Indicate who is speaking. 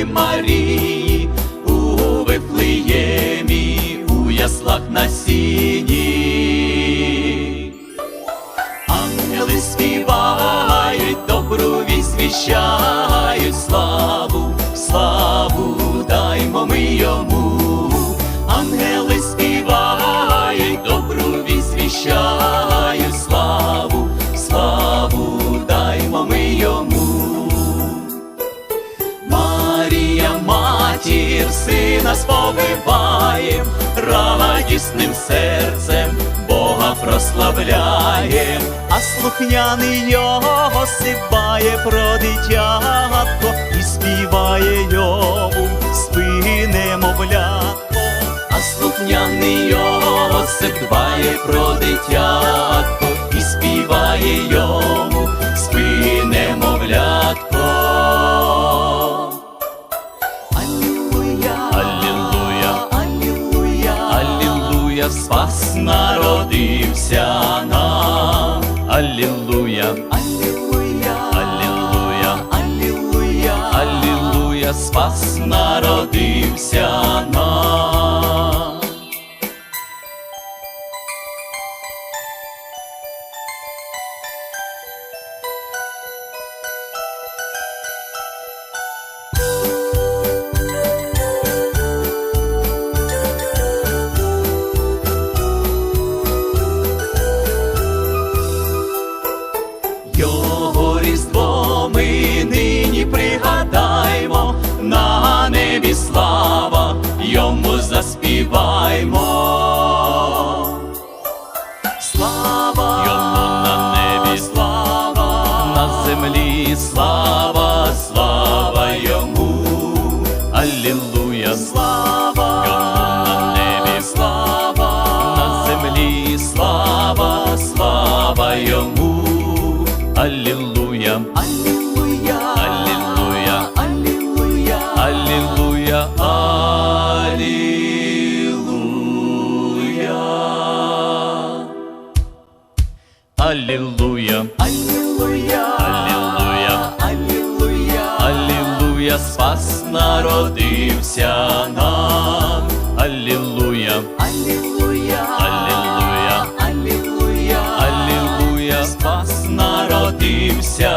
Speaker 1: Марії, у Вифлеємі, у яслах на сіні. Ангели співають, добру вість віщають, славу, славу даймо ми йому. Ангели співають, добру вість віщають, славу, славу даймо ми йому. Марія, матір, сина сповиваєм, радісним серцем Бога прославляєм, а слухняний Йосип дбає про дитятко і співає йому спи немовлятко. А слухняний Йосип дбає про дитятко і співає йому спи немовлятко. Спас народився нам. Алілуя, алілуя, алілуя, алілуя, алілуя, спас народився нам. Його різдво ми нині пригадаймо, на небі слава, йому заспіваймо. Слава йому на небі, слава, на землі слава, слава йому. Алілуя, слава йому на небі, слава, на землі слава, слава йому. Алілуя, алілуя, алілуя, алілуя, алілуя, алілуя. Алілуя, алілуя, алілуя, алілуя, алілуя, спас народився нам. Алілуя, алілуя, алілуя, алілуя, алілуя, спас народився